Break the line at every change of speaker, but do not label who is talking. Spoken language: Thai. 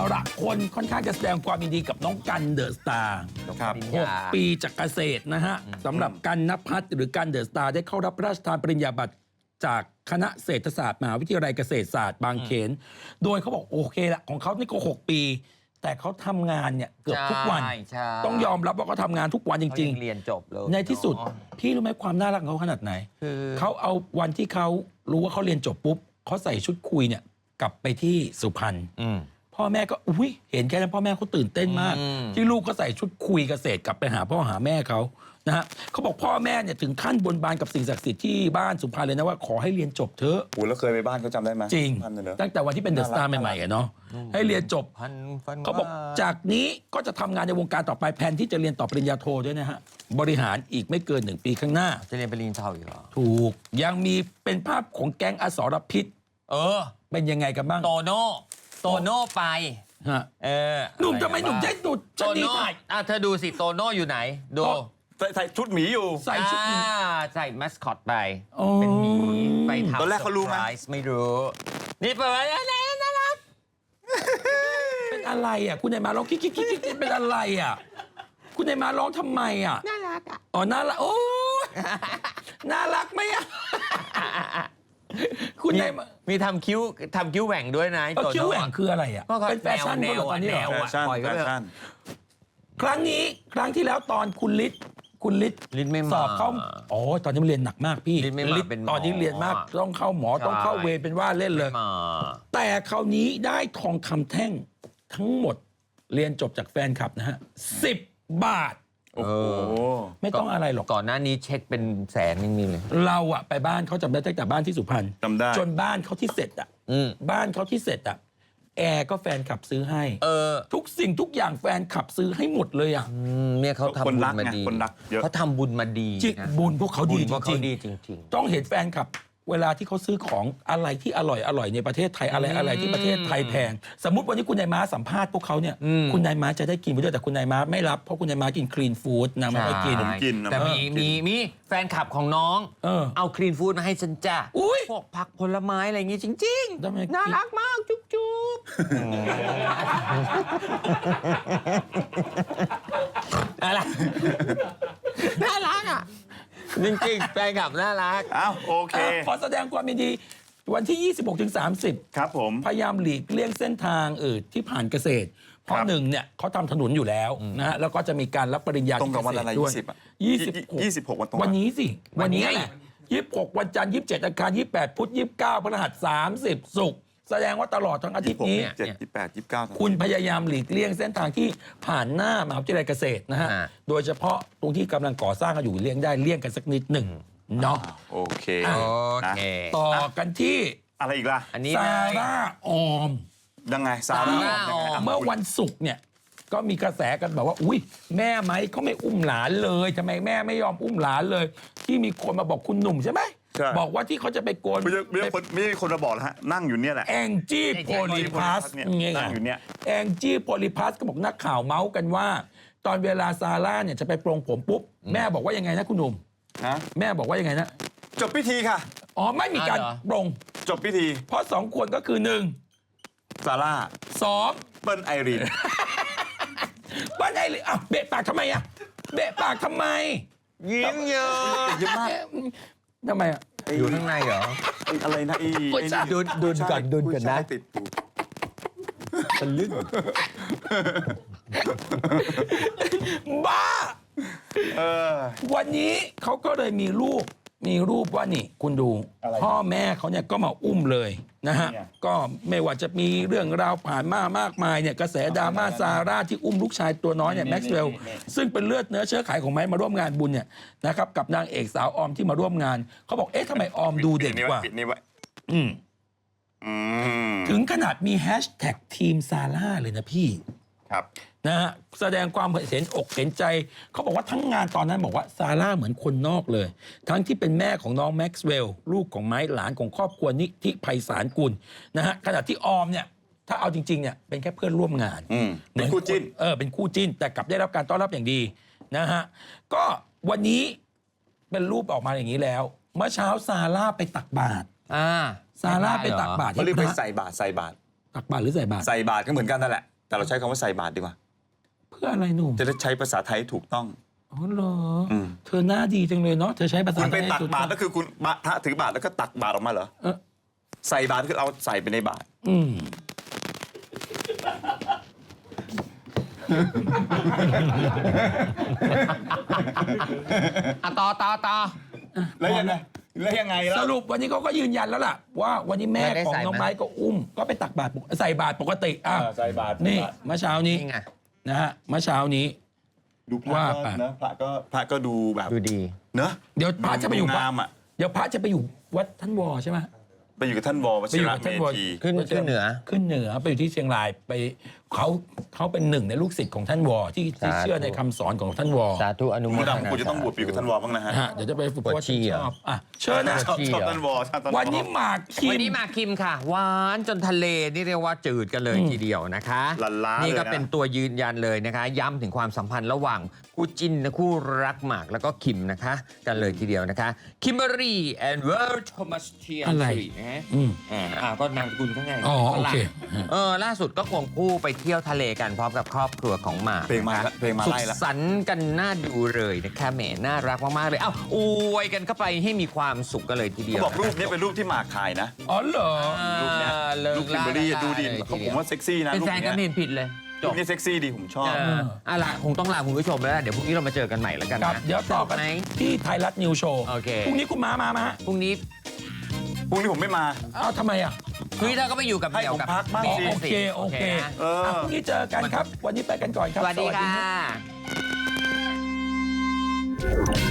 ละคนค่อนข้างจะแสดงความยินดีกับน้องกันเดอะสตาร์
ครับ
6 ปีจากเกษตรนะฮะสำหรับกันณภัทรหรือกันเดอะสตาร์ได้เข้ารับพระราชทานปริญญาบัตรจากคณะเศรษฐศาสตร์มหาวิทยาลัยเกษตรศาสตร์บางเขนโดยเขาบอกโอเคละของเขานี่ก็6 ปี แต่เขาทำงานเนี่ยเกือบทุกวัน
ใช่
ต้องยอมรับว่าเขาทำงานทุกวันจริง
เรียนจบเลย
ๆ ในที่สุดพี่รู้ไหมความน่ารักของเขาขนาดไหน
คือ
เขาเอาวันที่เขารู้ว่าเขาเรียนจบปุ๊บเขาใส่ชุดคุยเนี่ยกลับไปที่สุพรรณพ่อแม่ก็อุ้ยเห็นแค่นั้นพ่อแม่เขาตื่นเต้นมาก ที่ลูกเขาใส่ชุดคุยเกษตรกลับไปหาพ่อหาแม่เขานะฮะเขาบอกพ่อแม่เนี่ยถึงขั้นบนบานกับสิ่งศักดิ์สิทธิ์ที่บ้านสุพรรณเลยนะว่าขอให้เรียนจบเถอะ
โอ้แล้วเคยไปบ้านเขาจำได้ไหม
จริง
ท่านเลยเหรอ
ตั้งแต่วันที่เป็นเดอะสตาร์ใหม่ๆอะเนาะให้เรียนจบ
พันฟัน
เขาบอกจากนี้ก็จะทำงานในวงการต่อไปแผนที่จะเรียนต่อปริญญาโทด้วยนะฮะบริหารอีกไม่เกิน1 ปีข้างหน้า
จะเรียนปริญญาโทอีกเหรอ
ถูกยังมีเป็นภาพของแก๊งอสรพิษ เป็นยังไงกันบ้าง
โตโน่ไป
ฮะ
ห
หนุ่มทำไมหนุ่มได้ดู
โต
ชนี
โน่
ถ่าย
เธอดูสิโตโน่อยู่ไหนดู
ใส่ชุดหมีอยู่
ใส่ชุดนี้
ใส่มัสคอตไป
โอ้
เป็นหมีไปทำ
ตอนแรกเขารู้ไหม
ซอพส์ไม่รู้ นี่เปิดมาแล้วน่ารัก
เป็นอะไรอ่ะคุณนายมาร้องกิ๊กกิ๊กกิ๊กกิ๊กเป็นอะไรอ่ะคุณนายมาร้องทำไมอ่ะ
น่ารักอ่ะ
อ๋อน่ารักโอ้ยน่ารักไหมอ่ะคุณนายมา
มีทำคิ้วแหว่งด้วยนะ
เออคิ้วแหว่งคืออะไรอ่ะ
ก็
เป็นแฟชั่น
แน
เขา
ว
เหรอตอนนี้เหรอ
แนว
แฟชั่น
ปล่อย
แฟ
ก็ไป
ชั่น
ครั้งนี้ครั้งที่แล้วตอนคุณฤทธิ์
ฤทธิ์ไม่มา
สอบเข้าอ๋อตอนนี้เรียนหนักมากพี่
ฤทธิ์ไม่มา
ฤทธิ์
เป็นหมอ
ตอนนี้เรียนมากต้องเข้าหมอต้องเข้าเวรเป็นว่าเล่นเลย
มา
แต่คราวนี้ได้ทองคำแท่งทั้งหมดเรียนจบจากแฟนคลับนะฮะ10 บาท
โอ้โห
ไม่ต้องอะไรหรอก
ก่อนหน้านี้เช็คเป็นแสนยังมีเลย
เราอะไปบ้านเขาจำได้ตั้งแต่บ้านที่สุพรรณ
จำได้
จนบ้านเขาที่เสร็จอะ บ้านเขาที่เสร็จอะแอร์ก็แฟนขับซื้อให้ทุกสิ่งทุกอย่างแฟนขับซื้อให้หมดเลยอะ
เนี่ยเขาทำบุญมาดี
คนรักเยอะ
เขาทำบุญมาดี
จริง
นะ
บุญพวกเขาดี
บุญพวก
จ
เขา
ริง
ดีจริง
ๆต้องเห็นแฟนขับ เวลาที่เขาซื้อของอะไรที่อร่อยในประเทศไทยอะไรที่ประเทศไทยแพงสมมติวันนี้คุณนายม้าสัมภาษณ์พวกเขาเนี่ยคุณนายม้าจะได้กินไปด้วยแต่คุณนายม้าไม่รับเพราะคุณนายม้ากินคลีนฟู้ดนางไม่ค่อยกิน
ผมกินนะ
แต่มีแฟนคลับของน้อง เอาคลีนฟู้ดมาให้ฉันจ้ะ
อุ๊ย
พวกผักผลไม้อะไรอย่างงี้จริง
ทำไม
ๆ น่ารักมากจุ๊บจุ๊บอะไรน่ารักอ่ะ จริงๆแฟนคลับน่ารัก
อ้าวโอเค
ขอแสดงความยินดีวันที่ 26 ถึง 30
ครับผม
พยายามหลีกเลี่ยงเส้นทางที่ผ่านเกษตร เพราะ
ครับ
หนึ่งเนี่ยเขาทำถนนอยู่แล้วนะฮะแล้วก็จะมีการรับปริญญา
ตรงกับวันอะไร
ที่เกษตด้วย
20อะ
26
วันตรง
วันนี้สิ
วั
วัน
นนี้
นี้แหละ26 วันจันทร์27 อังคาร28 พุธ29พฤหัส30ศุกร์แสดงว่าตลอดทั้งอาทิตย์นี้
27 28 29
คุณพยายามหลีกเลี่ยงเส้นทางที่ผ่านหน้ามหาวิทยาลัยเกษตรนะฮะ โดยเฉพาะตรงที่กำลังก่อสร้างกันอยู่เลี่ยงได้เลี่ยงกันสักนิดหนึ่งเนาะ
โอเค
อ่ะ
โอเค
ต่อกันที่
อะไรอีกล่ะ
อันนี้
ซา
เลย
ร่าออม
ยังไงซาร่า
ซาร่า
ยังไง
ออ
เมื่อวันศุกร์เนี่ยก็มีกระแสกันแบบว่าอุ้ยแม่ไหมเขาไม่อุ้มหลานเลยทำไมแม่ไม่ยอมอุ้มหลานเลย ที่มีคนมาบอกคุณหนุ่มใช่ไหม
ใช่
บอกว่าที่เขาจะไปโกน
ไม่ใช่คนมาบอกนะฮะนั่งอยู่เนี่ยแหละ
แองจี้โพลิพัส
เนี่ย
ไง
นั่งอยู่เนี่ย
แองจี้โพลิพัสก็บอกนักข่าวเมาส์กันว่า ตอนเวลาซาร่าเนี่ยจะไปปรงผมปุ๊บแม่บอกว่ายังไงนะคุณหนุ่ม
ฮะ
แม่บอกว่ายังไงนะ
จบพิธีค่ะ
อ๋อไม่มีการปรง
จบพิธี
เพราะสองคนก็คือหนึ่ง
ซาร่า
สอง
เปิ้ลไอรีน
บ้านไอ้เลยอ่ะเบะปากทำไมอ่ะเบะปากทำไม
ยิ้มเยอะ
เยอะมาก
ทำไมอ่ะ
อยู่ข้างในเหรอ
ไอ้อะไรนะไอ้
โอ้ย
ไอ้
จ้ะ
นี่
ดุนก่อนดุนก่อนนะ
ผู้ชายติดปู
ทะลึ่ง
บ้า
เออ
วันนี้เขาก็เลยมีรูปว่านี่คุณดู
อะไร
พ่อแม่เขาเนี่ยก็มาอุ้มเลยนะฮะ
เนี่ย
ก็ไม่ว่าจะมีเรื่องราวผ่านมามากมายเนี่ยกระแสดราม่าซาร่าที่อุ้มลูกชายตัวน้อยเนี่ยแม็กซ์เวลล์ซึ่งเป็นเลือดเนื้อเชื้อไขของไม้มาร่วมงานบุญเนี่ยนะครับกับนางเอกสาวออมที่มาร่วมงานเขาบอกเอ๊ะทำไมออมดูเด็กกว่า
ปิดนี่ไว้
อืม
อืม
ถึงขนาดมีแฮชแท็กทีมซาร่าเลยนะพี่
ครับ
นะฮะแสดงความเห็นอกเห็นใจเขาบอกว่าทั้งงานตอนนั้นบอกว่าซาร่าเหมือนคนนอกเลย ทั้งที่เป็นแม่ของน้องแม็กซ์เวลล์ลูกของไม้หลานของครอบครัวนิธิไพศาลกุลนะฮะขณะที่ออมเนี่ยถ้าเอาจริงๆเนี่ยเป็นแค่เพื่อนร่วมงาน
เป็นคู่จิ้น
เป็นคู่จิ้นแต่กลับได้รับการต้อนรับอย่างดีนะฮะก็วันนี้เป็นรูปออกมาอย่างนี้แล้ว เมื่อเช้าซาร่าไปตักบาตรซาร่าไปตักบาตร
เขาเรียกไปใส่บาตร
ตักบาตรหรือใส่บาตร
ใส่บาตรก็เหมือนกันนั่นแหละแต่เราใช้คำว่าใส่บาตรดีกว่า
เพื่ออะไรหนุ่ม
จะได้ใช้ภาษาไทยถูกต้อง
อ๋อเหรอ
ม
เธอหน้าดีจังเลยเนาะเธอใช้ภาษา
คุณไป
ไทย
ตัก
สุด
บาตรก็คือคุณพระถือบาตรแล้วก็ตักบาตรออกมาเหรอ
เออ
ใส่บาตรคือเอาใส่ไปในบาตร
อืม
ต่อ
แล้วยังไงแล้ว
สรุปวันนี้เขาก็ยืนยันแล้วล่ะ ว่าวันนี้แม่
ไม่ได้
ของ
ใส่
น้อง
ไหม
ไม้ก็อุ้มก็ไปตักบาตรใส่บาตรปกติอ่ะ
ใส่บาตร
นี่เมื่อเช้านี้
นี่ไง
นะฮะเมื่อเช้านี้
ดูพระ
ว่าไป
ก็นะพระก็ดูแบบ
ดูดี
เนอะ
เดี๋ยวพระจะไปอยู่
ดูงามอ่ะ
เดี๋ยวพระจะไปอยู่วัดท่านวอใช่ไหม
ไปอยู่กับท่านวว
ไป
ชิ
อยู่
ระ
กับ
เม
ท่านวอ
ธี
ขึ้นเหนือ
ขึ้นเหนือไปอยู่ที่เชียงรายไปเขาเป็นหนึ่งในลูกศิษย์ของท่านวอที่
สาธุ
เชื่อในคำสอนของท่านวอ
สาธุอนุโม
คุณ
ทนา
ดำคุณจะต้องบวชไปอยู่กับท่านวอบ้างนะฮะ
นะฮะเดี๋ยวจะไปฝึก
ปวด
ว่า
ฉี่
ช
เหรอ
อบอ่ะเชิญนะ
ชอบท่านวอชอบท่านวอ
วันนี้หมากคิ
วัน
ม
นี้มาคิมค่ะหวานจนทะเลนี่เรียกว่าจืดกันเลยทีเดียวนะคะ
ลันล้า
นี่ก็
เลยนะ
เป็นตัวยืนยันเลยนะคะ ย้ำถึงความสัมพันธ์ระหว่างคู่จิ้นนะคู่รักหมากแล้วก็คิมนะคะ กันเลยทีเดียวนะคะคิมเบอรี่แอนด์เวิร์ดโทมัสเทียน
อะไร
นะฮะ
อืม
ก็นามสกุลข้างใน
อ๋อโอเค
ล่าสุดก็ควงคู่ไปเที่ยวทะเลกันพร้อมกับครอบครัวของหมาก
เพลงมา
นะคะ
เพลงมา
สุ
ไล่
ข
ละ
สันต์กันน่าดูเลยนะคะแหมน่ารักมากๆเลยเอ้าอวยกันเข้าไปให้มีความสุขกันเลยทีเดียว
เขาบอกรูปนี้เป็นรูปที่หมากถ่ายนะ
อ๋อเหรอ
รูปเนี้ย
เลิก
รูปคิมเบอรี่ดูดิเขาผมว่าเซ็กซี่นะ
เป็น
รูป
แฟนกัน
เนี้
ไม่
ย
เห็นผิดเลยจ
รู
บ
ปนี้เซ็กซี่ดีผมชอบ
ล่ะคงต้องลาคุณผู้ชมแล้วล่ะเดี๋ยวพรุ่งนี้เรามาเจอกันใหม่แล้วกัน
ครับ
นะ
เดี๋ยวต่อกัน
ไหม
ที่ไทยรัฐนิวโชว์
โอเค
พรุ่งนี้คุณมาฮะ
พรุ่งนี้
พรุ่งนี้ผมไม่มา
อ้าวทำไมอ่ะ
พรุ่งนี้เราก็ไปอยู่กับ
ให้
เดี่ยว
ผม
กับ
พักบ้าง
บิ๊
สิ
โอเคโอเค
นะ
เออ
พรุ่งนี้เจอกันครับ วันนี้ไปกันก่อนครับ
สวัสดีค่ะ
รับ